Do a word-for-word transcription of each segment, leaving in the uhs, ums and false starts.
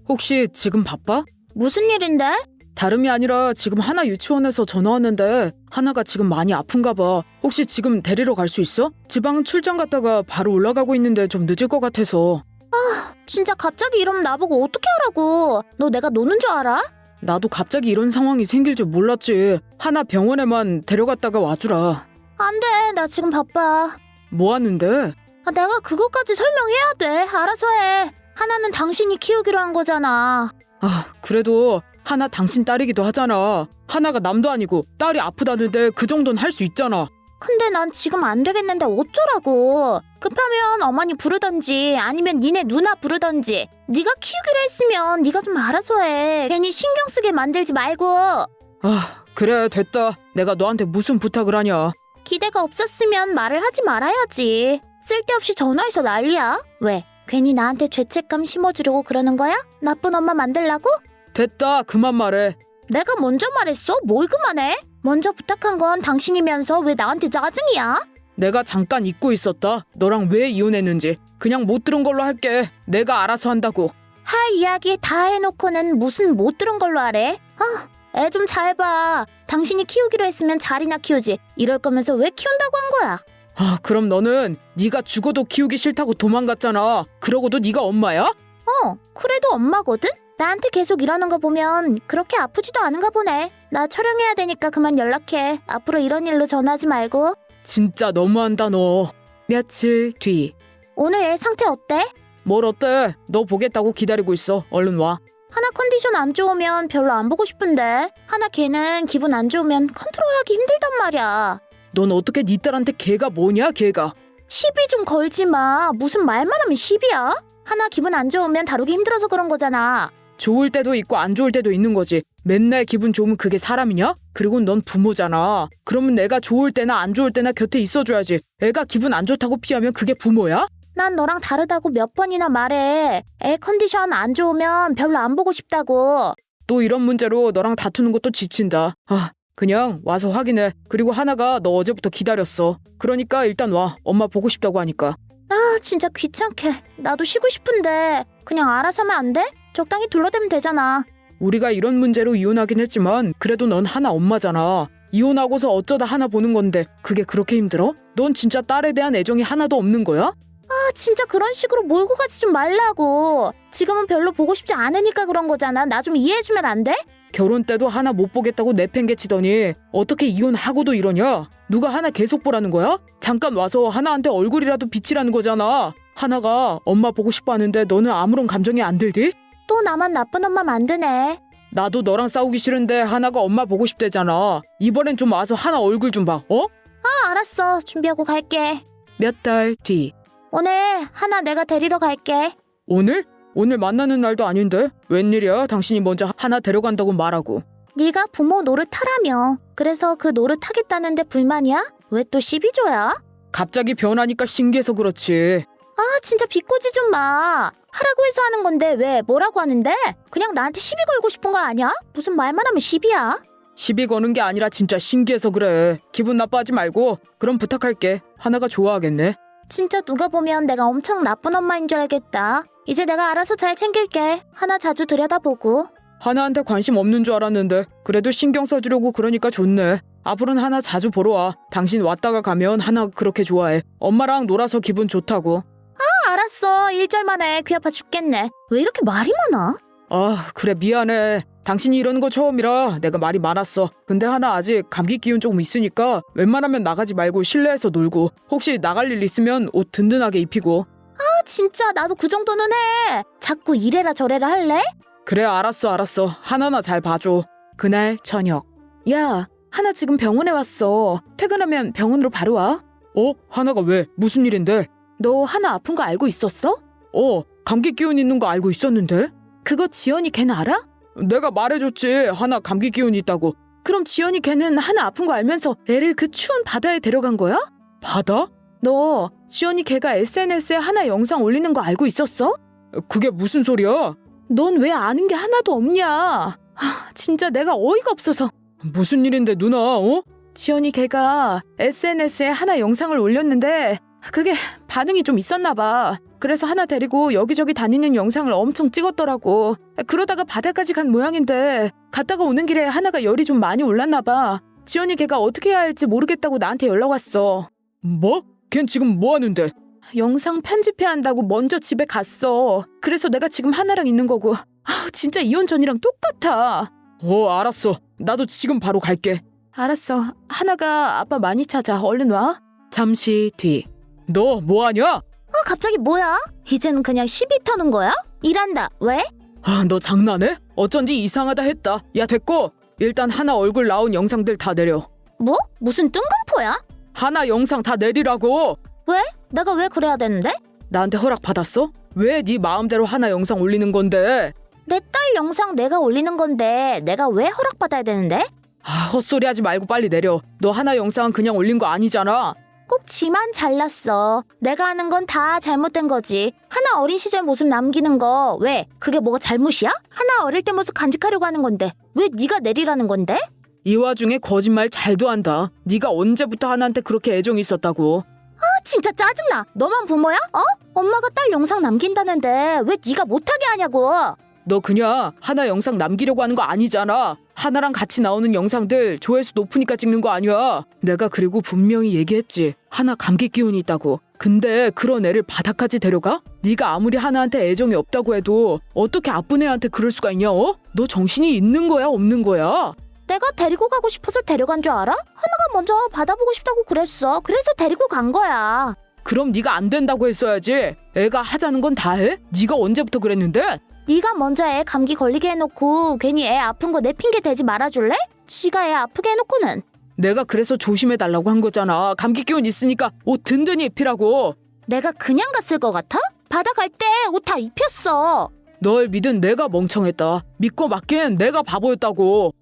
혹시 지금 바빠? 무슨 일인데? 다름이 아니라 지금 하나 유치원에서 전화 왔는데 하나가 지금 많이 아픈가 봐. 혹시 지금 데리러 갈 수 있어? 지방 출장 갔다가 바로 올라가고 있는데 좀 늦을 것 같아서. 진짜 갑자기 이러면 나보고 어떻게 하라고. 너 내가 노는 줄 알아? 나도 갑자기 이런 상황이 생길 줄 몰랐지. 하나 병원에만 데려갔다가 와주라. 안 돼, 나 지금 바빠. 뭐 하는데? 아, 내가 그것까지 설명해야 돼. 알아서 해. 하나는 당신이 키우기로 한 거잖아. 아, 그래도 하나 당신 딸이기도 하잖아. 하나가 남도 아니고 딸이 아프다는데 그 정도는 할 수 있잖아. 근데 난 지금 안 되겠는데 어쩌라고. 급하면 어머니 부르던지 아니면 니네 누나 부르던지. 네가 키우기로 했으면 네가 좀 알아서 해. 괜히 신경 쓰게 만들지 말고. 아, 그래 됐다. 내가 너한테 무슨 부탁을 하냐. 기대가 없었으면 말을 하지 말아야지. 쓸데없이 전화해서 난리야. 왜? 괜히 나한테 죄책감 심어주려고 그러는 거야? 나쁜 엄마 만들라고? 됐다, 그만 말해. 내가 먼저 말했어? 뭘 그만해? 먼저 부탁한 건 당신이면서 왜 나한테 짜증이야? 내가 잠깐 잊고 있었다. 너랑 왜 이혼했는지. 그냥 못 들은 걸로 할게. 내가 알아서 한다고. 할 이야기 다 해놓고는 무슨 못 들은 걸로 하래? 아, 애 좀 잘 봐. 당신이 키우기로 했으면 잘이나 키우지. 이럴 거면서 왜 키운다고 한 거야? 아, 그럼 너는 네가 죽어도 키우기 싫다고 도망갔잖아. 그러고도 네가 엄마야? 어, 그래도 엄마거든? 나한테 계속 이러는 거 보면 그렇게 아프지도 않은가 보네. 나 촬영해야 되니까 그만 연락해. 앞으로 이런 일로 전화하지 말고. 진짜 너무한다 너. 며칠 뒤. 오늘 애 상태 어때? 뭘 어때? 너 보겠다고 기다리고 있어. 얼른 와. 하나 컨디션 안 좋으면 별로 안 보고 싶은데 하나 걔는 기분 안 좋으면 컨트롤하기 힘들단 말이야. 넌 어떻게 네 딸한테 걔가 뭐냐 걔가. 시비 좀 걸지 마. 무슨 말만 하면 시비야? 하나 기분 안 좋으면 다루기 힘들어서 그런 거잖아. 좋을 때도 있고 안 좋을 때도 있는 거지. 맨날 기분 좋으면 그게 사람이냐? 그리고 넌 부모잖아. 그러면 내가 좋을 때나 안 좋을 때나 곁에 있어줘야지. 애가 기분 안 좋다고 피하면 그게 부모야? 난 너랑 다르다고 몇 번이나 말해. 애 컨디션 안 좋으면 별로 안 보고 싶다고. 또 이런 문제로 너랑 다투는 것도 지친다. 아, 그냥 와서 확인해. 그리고 하나가 너 어제부터 기다렸어. 그러니까 일단 와. 엄마 보고 싶다고 하니까. 아, 진짜 귀찮게. 나도 쉬고 싶은데 그냥 알아서 하면 안 돼? 적당히 둘러대면 되잖아. 우리가 이런 문제로 이혼하긴 했지만 그래도 넌 하나 엄마잖아. 이혼하고서 어쩌다 하나 보는 건데 그게 그렇게 힘들어? 넌 진짜 딸에 대한 애정이 하나도 없는 거야? 아, 진짜 그런 식으로 몰고 가지 좀 말라고. 지금은 별로 보고 싶지 않으니까 그런 거잖아. 나 좀 이해해주면 안 돼? 결혼 때도 하나 못 보겠다고 내팽개치더니 어떻게 이혼하고도 이러냐? 누가 하나 계속 보라는 거야? 잠깐 와서 하나한테 얼굴이라도 비치라는 거잖아. 하나가 엄마 보고 싶어 하는데 너는 아무런 감정이 안 들디? 또 나만 나쁜 엄마 만드네. 나도 너랑 싸우기 싫은데 하나가 엄마 보고 싶대잖아. 이번엔 좀 와서 하나 얼굴 좀 봐. 어? 아, 알았어. 준비하고 갈게. 몇 달 뒤. 오늘 하나 내가 데리러 갈게. 오늘? 오늘 만나는 날도 아닌데? 웬일이야? 당신이 먼저 하나 데려간다고 말하고. 네가 부모 노릇하라며. 그래서 그 노릇하겠다는데 불만이야? 왜 또 시비줘야? 갑자기 변하니까 신기해서 그렇지. 아, 진짜 비꼬지 좀 마. 하라고 해서 하는 건데 왜 뭐라고 하는데? 그냥 나한테 시비 걸고 싶은 거 아니야? 무슨 말만 하면 시비야? 시비 거는 게 아니라 진짜 신기해서 그래. 기분 나빠하지 말고. 그럼 부탁할게. 하나가 좋아하겠네. 진짜 누가 보면 내가 엄청 나쁜 엄마인 줄 알겠다. 이제 내가 알아서 잘 챙길게. 하나 자주 들여다보고. 하나한테 관심 없는 줄 알았는데 그래도 신경 써주려고 그러니까 좋네. 앞으로는 하나 자주 보러 와. 당신 왔다가 가면 하나 그렇게 좋아해. 엄마랑 놀아서 기분 좋다고. 아, 알았어. 일절만 해. 귀 아파 죽겠네. 왜 이렇게 말이 많아? 아, 그래 미안해. 당신이 이러는 거 처음이라 내가 말이 많았어. 근데 하나 아직 감기 기운 조금 있으니까 웬만하면 나가지 말고 실내에서 놀고 혹시 나갈 일 있으면 옷 든든하게 입히고. 아, 진짜 나도 그 정도는 해. 자꾸 이래라 저래라 할래? 그래 알았어 알았어. 하나나 잘 봐줘. 그날 저녁. 야, 하나 지금 병원에 왔어. 퇴근하면 병원으로 바로 와. 어? 하나가 왜? 무슨 일인데? 너 하나 아픈 거 알고 있었어? 어, 감기 기운 있는 거 알고 있었는데? 그거 지연이 걔는 알아? 내가 말해줬지. 하나 감기 기운 있다고. 그럼 지연이 걔는 하나 아픈 거 알면서 애를 그 추운 바다에 데려간 거야? 바다? 너 지연이 걔가 에스엔에스에 하나 영상 올리는 거 알고 있었어? 그게 무슨 소리야? 넌 왜 아는 게 하나도 없냐? 하, 진짜 내가 어이가 없어서. 무슨 일인데 누나 어? 지연이 걔가 에스엔에스에 하나 영상을 올렸는데 그게 반응이 좀 있었나 봐. 그래서 하나 데리고 여기저기 다니는 영상을 엄청 찍었더라고. 그러다가 바다까지 간 모양인데 갔다가 오는 길에 하나가 열이 좀 많이 올랐나 봐. 지연이 걔가 어떻게 해야 할지 모르겠다고 나한테 연락 왔어. 뭐? 걘 지금 뭐 하는데? 영상 편집해야 한다고 먼저 집에 갔어. 그래서 내가 지금 하나랑 있는 거고. 아, 진짜 이혼 전이랑 똑같아. 어, 알았어. 나도 지금 바로 갈게. 알았어. 하나가 아빠 많이 찾아. 얼른 와. 잠시 뒤. 너 뭐하냐? 아, 갑자기 뭐야? 이제는 그냥 시비 터는 거야? 일한다. 왜? 아, 너 장난해? 어쩐지 이상하다 했다. 야, 됐고. 일단 하나 얼굴 나온 영상들 다 내려. 뭐? 무슨 뜬금포야? 하나 영상 다 내리라고. 왜? 내가 왜 그래야 되는데? 나한테 허락 받았어? 왜 네 마음대로 하나 영상 올리는 건데? 내 딸 영상 내가 올리는 건데 내가 왜 허락받아야 되는데? 아, 헛소리 하지 말고 빨리 내려. 너 하나 영상은 그냥 올린 거 아니잖아. 꼭 지만 잘났어. 내가 하는 건 다 잘못된 거지. 하나 어린 시절 모습 남기는 거 왜? 그게 뭐가 잘못이야? 하나 어릴 때 모습 간직하려고 하는 건데 왜 네가 내리라는 건데? 이 와중에 거짓말 잘도 한다. 네가 언제부터 하나한테 그렇게 애정이 있었다고. 아, 진짜 짜증나. 너만 부모야? 어? 엄마가 딸 영상 남긴다는데 왜 네가 못하게 하냐고. 너 그냥 하나 영상 남기려고 하는 거 아니잖아. 하나랑 같이 나오는 영상들 조회수 높으니까 찍는 거 아니야. 내가 그리고 분명히 얘기했지. 하나 감기 기운이 있다고. 근데 그런 애를 바다까지 데려가? 네가 아무리 하나한테 애정이 없다고 해도 어떻게 아픈 애한테 그럴 수가 있냐? 어? 너 정신이 있는 거야 없는 거야? 내가 데리고 가고 싶어서 데려간 줄 알아? 하나가 먼저 받아보고 싶다고 그랬어. 그래서 데리고 간 거야. 그럼 네가 안 된다고 했어야지. 애가 하자는 건 다 해? 네가 언제부터 그랬는데? 네가 먼저 애 감기 걸리게 해놓고 괜히 애 아픈 거 내 핑계 대지 말아줄래? 지가 애 아프게 해놓고는. 내가 그래서 조심해달라고 한 거잖아. 감기 기운 있으니까 옷 든든히 입히라고. 내가 그냥 갔을 것 같아? 바다 갈 때 옷 다 입혔어. 널 믿은 내가 멍청했다. 믿고 맡긴 내가 바보였다고.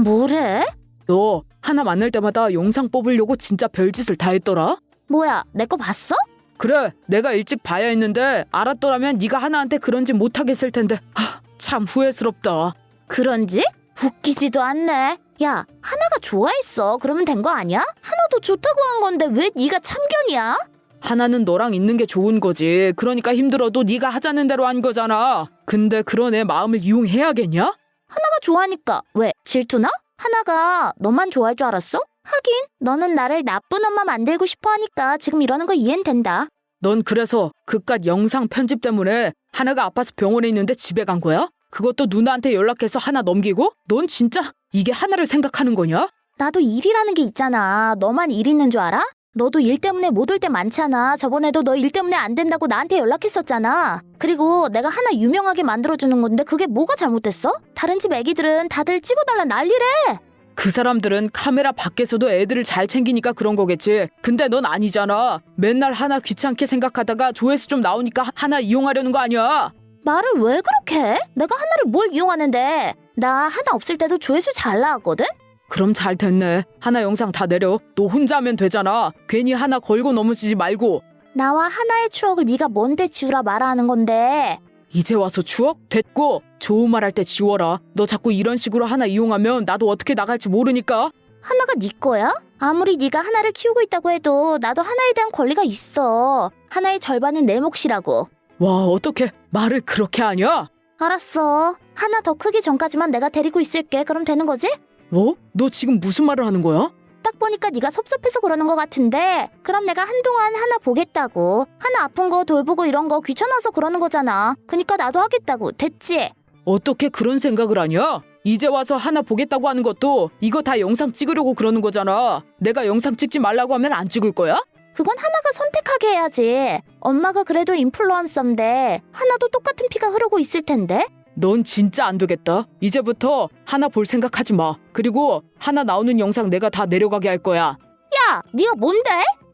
뭐래? 너 하나 만날 때마다 영상 뽑으려고 진짜 별짓을 다 했더라? 뭐야, 내 거 봤어? 그래, 내가 일찍 봐야 했는데 알았더라면 네가 하나한테 그런 짓 못하겠을 텐데. 하, 참 후회스럽다. 그런지? 웃기지도 않네. 야, 하나가 좋아했어. 그러면 된 거 아니야? 하나도 좋다고 한 건데 왜 네가 참견이야? 하나는 너랑 있는 게 좋은 거지. 그러니까 힘들어도 네가 하자는 대로 한 거잖아. 근데 그런 애 마음을 이용해야겠냐? 하나가 좋아하니까. 왜, 질투나? 하나가 너만 좋아할 줄 알았어? 하긴 너는 나를 나쁜 엄마 만들고 싶어 하니까 지금 이러는 거 이해는 된다. 넌 그래서 그깟 영상 편집 때문에 하나가 아파서 병원에 있는데 집에 간 거야? 그것도 누나한테 연락해서 하나 넘기고? 넌 진짜 이게 하나를 생각하는 거냐? 나도 일이라는 게 있잖아. 너만 일 있는 줄 알아? 너도 일 때문에 못 올 때 많잖아. 저번에도 너 일 때문에 안 된다고 나한테 연락했었잖아. 그리고 내가 하나 유명하게 만들어주는 건데 그게 뭐가 잘못됐어? 다른 집 애기들은 다들 찍어달라 난리래. 그 사람들은 카메라 밖에서도 애들을 잘 챙기니까 그런 거겠지. 근데 넌 아니잖아. 맨날 하나 귀찮게 생각하다가 조회수 좀 나오니까 하나 이용하려는 거 아니야? 말을 왜 그렇게 해? 내가 하나를 뭘 이용하는데. 나 하나 없을 때도 조회수 잘 나왔거든? 그럼 잘 됐네. 하나 영상 다 내려. 너 혼자 하면 되잖아. 괜히 하나 걸고 넘어지지 말고. 나와 하나의 추억을 네가 뭔데 지우라 말아 하는 건데. 이제 와서 추억? 됐고. 좋은 말 할 때 지워라. 너 자꾸 이런 식으로 하나 이용하면 나도 어떻게 나갈지 모르니까. 하나가 네 거야? 아무리 네가 하나를 키우고 있다고 해도 나도 하나에 대한 권리가 있어. 하나의 절반은 내 몫이라고. 와, 어떻게 말을 그렇게 하냐? 알았어. 하나 더 크기 전까지만 내가 데리고 있을게. 그럼 되는 거지? 뭐? 너 지금 무슨 말을 하는 거야? 딱 보니까 네가 섭섭해서 그러는 것 같은데 그럼 내가 한동안 하나 보겠다고. 하나 아픈 거 돌보고 이런 거 귀찮아서 그러는 거잖아. 그니까 나도 하겠다고. 됐지? 어떻게 그런 생각을 하냐? 이제 와서 하나 보겠다고 하는 것도 이거 다 영상 찍으려고 그러는 거잖아. 내가 영상 찍지 말라고 하면 안 찍을 거야? 그건 하나가 선택하게 해야지. 엄마가 그래도 인플루언서인데 하나도 똑같은 피가 흐르고 있을 텐데. 넌 진짜 안 되겠다. 이제부터 하나 볼 생각하지 마. 그리고 하나 나오는 영상 내가 다 내려가게 할 거야. 야, 네가 뭔데?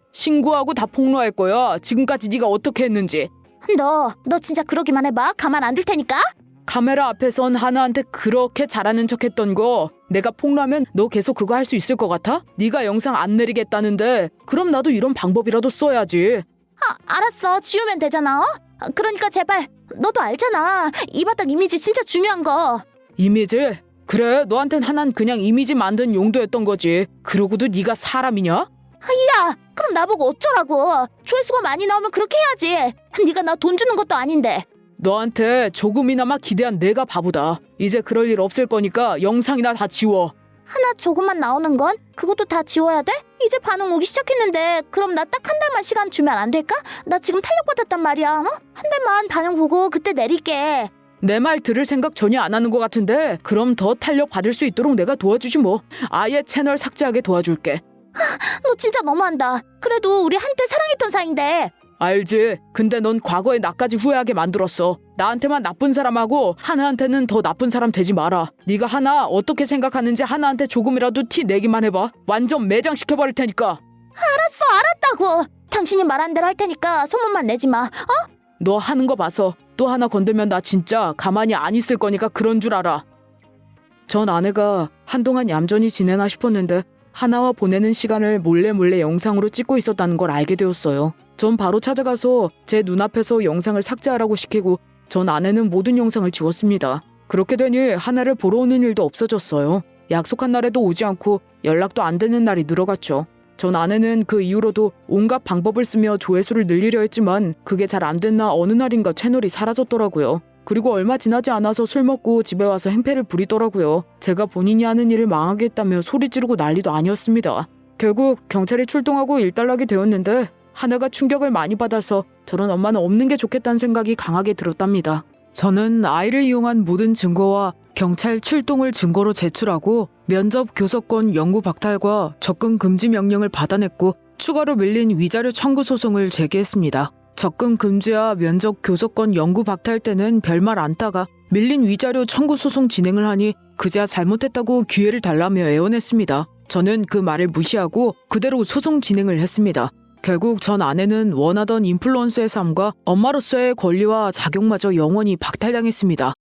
신고하고 다 폭로할 거야. 지금까지 네가 어떻게 했는지. 너, 너 진짜 그러기만 해봐. 가만 안 둘 테니까. 카메라 앞에선 하나한테 그렇게 잘하는 척했던 거 내가 폭로하면 너 계속 그거 할 수 있을 것 같아? 네가 영상 안 내리겠다는데 그럼 나도 이런 방법이라도 써야지. 아, 알았어. 지우면 되잖아. 어? 그러니까 제발. 너도 알잖아. 이 바닥 이미지 진짜 중요한 거. 이미지? 그래, 너한텐 하나는 그냥 이미지 만든 용도였던 거지. 그러고도 네가 사람이냐? 야, 그럼 나보고 어쩌라고. 조회수가 많이 나오면 그렇게 해야지. 네가 나 돈 주는 것도 아닌데. 너한테 조금이나마 기대한 내가 바보다. 이제 그럴 일 없을 거니까 영상이나 다 지워. 하나 조금만 나오는 건? 그것도 다 지워야 돼? 이제 반응 오기 시작했는데 그럼 나 딱 한 달만 시간 주면 안 될까? 나 지금 탄력받았단 말이야. 어? 한 달만 반응 보고 그때 내릴게. 내 말 들을 생각 전혀 안 하는 것 같은데 그럼 더 탄력 받을 수 있도록 내가 도와주지 뭐. 아예 채널 삭제하게 도와줄게. 너 진짜 너무한다. 그래도 우리 한때 사랑했던 사이인데. 알지? 근데 넌 과거에 나까지 후회하게 만들었어. 나한테만 나쁜 사람하고 하나한테는 더 나쁜 사람 되지 마라. 네가 하나 어떻게 생각하는지 하나한테 조금이라도 티 내기만 해봐. 완전 매장시켜버릴 테니까. 알았어, 알았다고. 당신이 말한 대로 할 테니까 소문만 내지 마. 어? 너 하는 거 봐서 또 하나 건들면 나 진짜 가만히 안 있을 거니까 그런 줄 알아. 전 아내가 한동안 얌전히 지내나 싶었는데 하나와 보내는 시간을 몰래 몰래 영상으로 찍고 있었다는 걸 알게 되었어요. 전 바로 찾아가서 제 눈앞에서 영상을 삭제하라고 시키고 전 아내는 모든 영상을 지웠습니다. 그렇게 되니 하나를 보러 오는 일도 없어졌어요. 약속한 날에도 오지 않고 연락도 안 되는 날이 늘어갔죠. 전 아내는 그 이후로도 온갖 방법을 쓰며 조회수를 늘리려 했지만 그게 잘 안 됐나 어느 날인가 채널이 사라졌더라고요. 그리고 얼마 지나지 않아서 술 먹고 집에 와서 행패를 부리더라고요. 제가 본인이 하는 일을 망하게 했다며 소리 지르고 난리도 아니었습니다. 결국 경찰이 출동하고 일단락이 되었는데 하나가 충격을 많이 받아서 저런 엄마는 없는 게 좋겠다는 생각이 강하게 들었답니다. 저는 아이를 이용한 모든 증거와 경찰 출동을 증거로 제출하고 면접 교섭권 영구 박탈과 접근 금지 명령을 받아냈고 추가로 밀린 위자료 청구 소송을 제기했습니다. 접근 금지와 면접 교섭권 영구 박탈 때는 별말 안다가 밀린 위자료 청구 소송 진행을 하니 그제야 잘못했다고 기회를 달라며 애원했습니다. 저는 그 말을 무시하고 그대로 소송 진행을 했습니다. 결국 전 아내는 원하던 인플루언서의 삶과 엄마로서의 권리와 자격마저 영원히 박탈당했습니다.